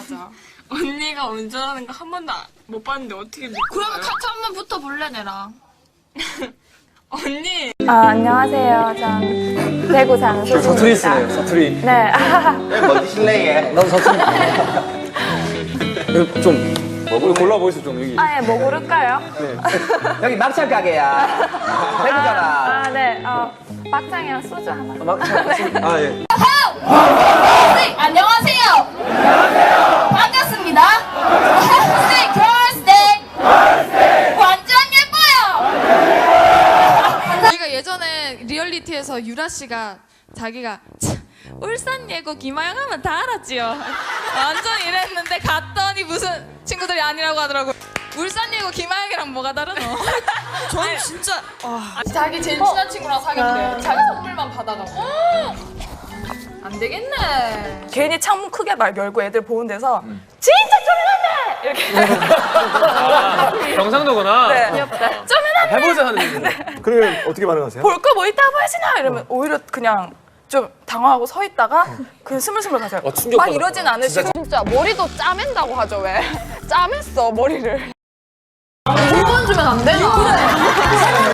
맞아. 언니가 운전하는 거 한 번도 못 봤는데 어떻게 믿고 그러면 가요? 같이 한번 붙어볼래 내랑. 언니! 안녕하세요. 전 대구 사는 수진입니다. 서투리 쓰네요, 서투리. 네. 뭐 드실래? 나도 서투리. 좀, 뭐 골라 보이소, 좀, 여기. 예, 뭐 고를까요? 여기 막창 가게야. 대구잖아. 네. 막창이랑 소주 하나. 아, 예. 네, 안녕하세요. 안녕하세요. 반갑습니다. 네, girls day. 완전 예뻐요. 저희가 예전에 리얼리티에서 유라 씨가 자기가 울산 예고 김하영 하면 다 알았지요. 완전 이랬는데 갔더니 무슨 친구들이 아니라고 하더라고. 울산 예고 김하영이랑 뭐가 다르노? 전 진짜 자기 제일 친한 친구랑 사귀었대. 자기 선물만 받아가고. 안 되겠네. 괜히 창문 크게 막 열고 애들 보는 데서 진짜 쪼매난다! 이렇게 경상도구나. 네. 쪼매난다! 해보자 하는 얘기인데. 그러면 어떻게 반응하세요? 볼 거 뭐 있다고 하시나? 이러면 오히려 그냥 좀 당황하고 서 있다가 그냥 스물스물 가세요. 막 충격받았구나. 이러진 않으시고 진짜 머리도 짜맨다고 하죠 왜? 짜맸어 머리를. 물건 주면 안 되나?